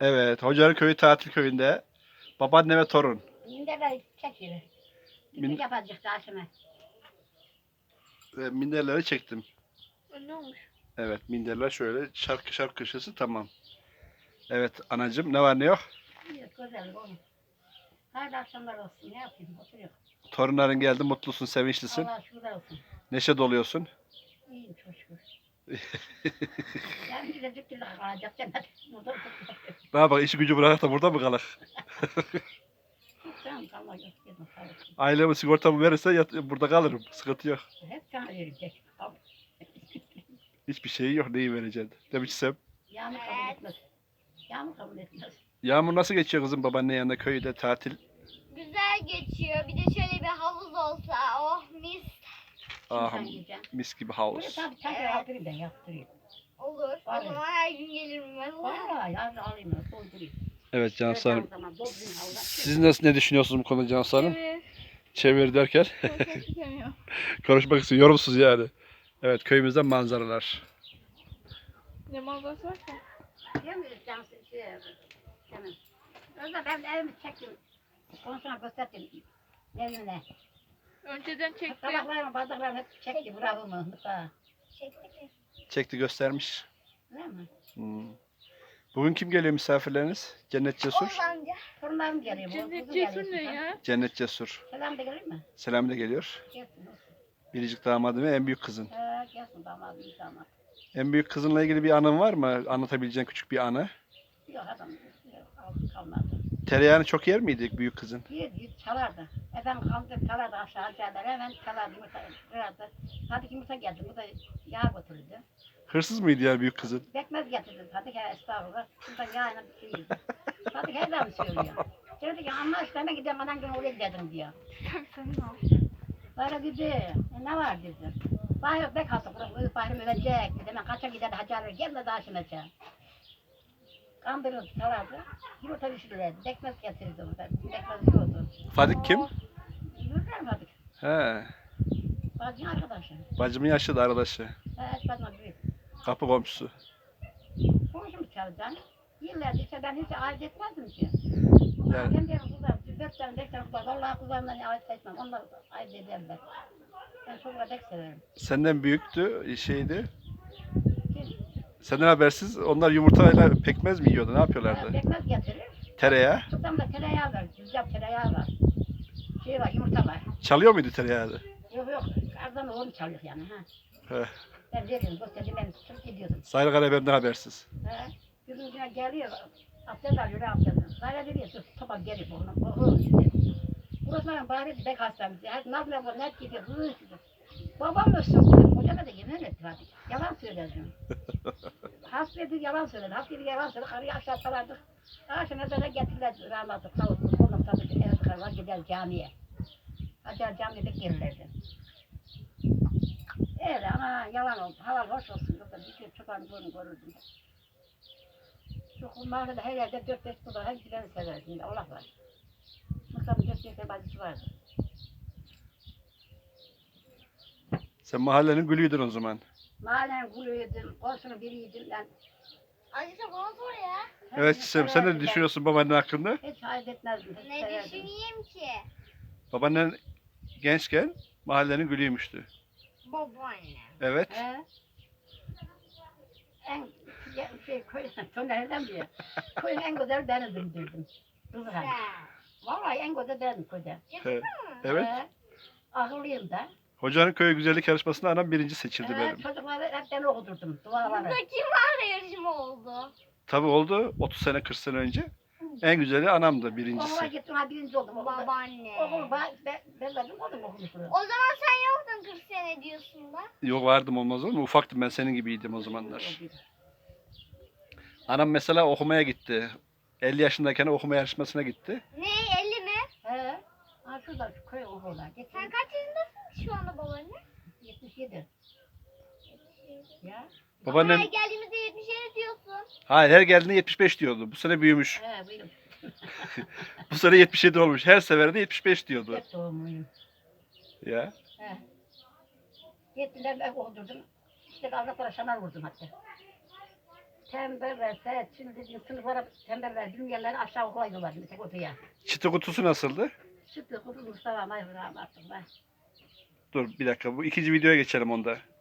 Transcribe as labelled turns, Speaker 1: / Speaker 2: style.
Speaker 1: Evet, Hocaların Köyü tatil köyünde babaanne ve torun.
Speaker 2: Minderler çekiyor.
Speaker 1: Min
Speaker 2: Piknik yapacak karşıma.
Speaker 1: Minderleri çektim.
Speaker 3: Ne olmuş?
Speaker 1: Evet, minderler şöyle şarkı köşesi tamam. Evet anacığım ne var ne yok?
Speaker 2: İyi, güzel oğlum. Hayırlı akşamlar olsun. Ne yapayım? Oturuyor.
Speaker 1: Torunların geldi, mutlusun, sevinçlisin.
Speaker 2: Allah şükürler olsun.
Speaker 1: Neşe doluyorsun.
Speaker 2: İyiyim çok şükür. Ben bir de dükkanla kalacak demedim. Burada
Speaker 1: Ne yapalım, işi gücü bırakıp da burada mı kalak?
Speaker 2: Sen kalma yok. Dedim, sağ olsun.
Speaker 1: Ailemi sigortamı verirse burada kalırım. Sıkıntı yok.
Speaker 2: Hep sana verecek. Al.
Speaker 1: Hiçbir şey yok, neyi vereceksin? Demişsem.
Speaker 2: Yağmur kabul etmez. Yağmur kabul etmez.
Speaker 1: Yağmur nasıl geçiyor kızım babaanne yanında köyde tatil?
Speaker 3: Güzel geçiyor. Bir de şöyle bir havuz olsa. Oh mis.
Speaker 1: Ah,
Speaker 2: Sen yiyeceksin.
Speaker 1: mis gibi
Speaker 2: Buraya
Speaker 1: havuz.
Speaker 2: tabii tekrar yaptırayım ben yaptırayım.
Speaker 3: Olur.
Speaker 2: Var
Speaker 3: O
Speaker 2: ya.
Speaker 3: zaman her gün gelirim ben.
Speaker 2: Vallahi yarın alayım ben doldurayım.
Speaker 1: Evet Cansu Hanım.
Speaker 2: Zaman doldurayım havuza.
Speaker 1: Siz ne düşünüyorsunuz bu konuda Cansu Hanım?
Speaker 3: Evet.
Speaker 1: Çevir derken
Speaker 3: Çok istemiyor.
Speaker 1: konuşmak için yorumsuz yani. Evet köyümüzden manzaralar.
Speaker 3: Ne manzarası var ki?
Speaker 2: Biliyor musun Cansu? Canım. Orada ben evimi çektim. Ondan sonra gösterdim. Evimle.
Speaker 3: Önceden çekti.
Speaker 2: Tabaklarımı, bardaklarımı hep çekti. Bravo mu?
Speaker 3: Çekti.
Speaker 1: Çekti göstermiş.
Speaker 2: Değil mi?
Speaker 1: Hmm. Bugün kim geliyor misafirleriniz? Cennet Cesur.
Speaker 3: Oğuz amca.
Speaker 2: Torunlarım geliyor. bu
Speaker 3: Cennet
Speaker 2: kızı
Speaker 3: Cesur
Speaker 2: geliyor
Speaker 3: ne
Speaker 2: şuradan.
Speaker 3: ya?
Speaker 1: Cennet Cesur.
Speaker 2: Selam da gelir mi?
Speaker 1: Selam da geliyor.
Speaker 2: Gelsin olsun.
Speaker 1: Biricik damadım ve en büyük kızın.
Speaker 2: Gelsin damadım iyi damat.
Speaker 1: En büyük kızınla ilgili bir anın var mı? Anlatabileceğin küçük bir anı.
Speaker 2: Yok adam aldı kalmadı.
Speaker 1: Tereyağını çok yer miydi büyük kızın?
Speaker 2: Bir çalardı. Efendim kaldı çalardı aşağıdalar. Hemen çalardı yumurta kırardı. Hadi yumurta geldi. Bu da yağ götürdü.
Speaker 1: Hırsız mıydı yani büyük kızın?
Speaker 2: Bekmez getirdim. Hadi gel estağfurullah. Şuradan yağına bir şey yedim. Hadi gel lan söylüyor. Dedi ki ama işte ben gideceğim anan gün oraya gidelim diyor.
Speaker 3: Sen ne yapıyorsun?
Speaker 2: Böyle dedi. Ne var dedi. Bahir bek hasta burası. Bahir ölecek dedi. Ben kaça gider Hacı gel de daha şimdi çağır. Kandırıldı çalardı. Yumurta pişirirlerdi. Bekmez getirirdi orada. Bekmez yiyordu.
Speaker 1: Fadik kim?
Speaker 2: Yürürler mi Fadik?
Speaker 1: He.
Speaker 2: Bacın arkadaşı.
Speaker 1: Bacımın yaşlı da arkadaşı.
Speaker 2: Evet bacım büyük.
Speaker 1: Kapı komşusu.
Speaker 2: Komşum çalacaksın. Yıllardır işte ben hiç ayırt etmezdim ki.
Speaker 1: Yani
Speaker 2: Ben diyorum kızlar, 4 tane 5 tane kızlar. Vallahi kızlarımdan ayırt etmem. Onlar ayırt ederler. Ben çocukları pek severim.
Speaker 1: senden büyüktü şeydi.
Speaker 2: Kim?
Speaker 1: Senden habersiz onlar yumurtayla pekmez mi yiyordu? Ne yapıyorlardı?
Speaker 2: Bekmez getirir.
Speaker 1: Tereyağı.
Speaker 2: Kızım da tereyağı var. Güzel tereyağı var. Şey var, yumurta var.
Speaker 1: Çalıyor muydu tereyağı?
Speaker 2: Yok yok. Ardan oğlum çalıyor yani. Ha.
Speaker 1: He.
Speaker 2: Ben veriyorum. Gösterdim ben tutup gidiyordum.
Speaker 1: Sayın Karabem'den habersiz.
Speaker 2: He. Yüzüne geliyor. Abdest alıyor. Abdest. Sayla dedi. Dur topa gelip oğlum dedi. Burası benim bari bek hastamız. Hadi nazla bu net gidiyor. Babam ölsün. Hocama da yemin etti hadi. Yalan söyledim. Hasta dedi yalan söyledi. Hasta dedi yalan söyledi. Karıyı aşağı salardık. Aşağıya da getirdiler. Rahmetli sağ olsun. Ondan sonra eve tıkarlar gider camiye. Hacer camiye gelirlerdi. Öyle ama yalan oldu. Halal hoş olsun. Yoksa bir şey çobanı bunu görürdüm. Şu mahallede her yerde 4-5 kula her giderini severdim. Allah var. Mustafa'nın 4-5 bacısı vardı.
Speaker 1: Sen mahallenin gülüydün o zaman.
Speaker 2: Mahallenin kulüydüm, komşunun biriydim ben.
Speaker 3: Anne sen bana sor ya.
Speaker 1: Evet Çiçeğim sen ne düşünüyorsun babaannen hakkında?
Speaker 2: Hiç hayret etmezdim. Hiç
Speaker 3: Ne
Speaker 2: severdim.
Speaker 3: düşüneyim ki?
Speaker 1: Babaannen gençken mahallenin gülüymüştü.
Speaker 3: Babaanne.
Speaker 1: Evet.
Speaker 2: He? En köy, Töner'den biri. Köyün en güzel benizdim dedim. Kızım.
Speaker 3: Sen.
Speaker 2: Vallahi en güzel benim köyde.
Speaker 1: He. Evet.
Speaker 2: He. Akıllıyım da.
Speaker 1: Hocanın köy güzellik yarışmasında anam birinci seçildi
Speaker 2: He,
Speaker 1: benim.
Speaker 2: çocukları hep ben okuturdum. Duaları.
Speaker 3: Burada kim var yarışma oldu?
Speaker 1: Tabii oldu 30 sene 40 sene önce. En güzeli anamdı
Speaker 2: Okula
Speaker 1: birincisi.
Speaker 2: gittim ha birinci oldum.
Speaker 3: Babaanne.
Speaker 2: Okulu ben verdim oldum okumuşluğu.
Speaker 3: O zaman sen yoktun 40 sene diyorsun da.
Speaker 1: Yok vardım olmaz olur mu? Ufaktım ben senin gibiydim o zamanlar. Anam mesela okumaya gitti. 50 yaşındayken okuma yarışmasına gitti.
Speaker 3: Ne 50 mi?
Speaker 2: He. Ha şurada şu köy okula.
Speaker 3: Sen
Speaker 2: Gittim.
Speaker 3: kaç yaşındasın şu anda babaanne?
Speaker 2: 77. Ya.
Speaker 1: Babaannem
Speaker 3: Her geldiğimizde 77 diyorsun.
Speaker 1: hayır her geldiğinde 75 diyordu. Bu sene büyümüş.
Speaker 2: He buyurun.
Speaker 1: Bu sene 77 olmuş. Her seferinde 75 diyordu.
Speaker 2: Hep doğumluyum.
Speaker 1: Ya.
Speaker 2: He. Gittiler ben okudurdum. İşte avratlara şamar vurdum hatta. Temberler, şimdi sınıflara temberler, dünyaları aşağı okula yollar mesela odaya.
Speaker 1: Çıtı kutusu nasıldı?
Speaker 2: Sütlü kutu Mustafa Mayhur rahmetli.
Speaker 1: Dur bir dakika. Bu ikinci videoya geçelim onda.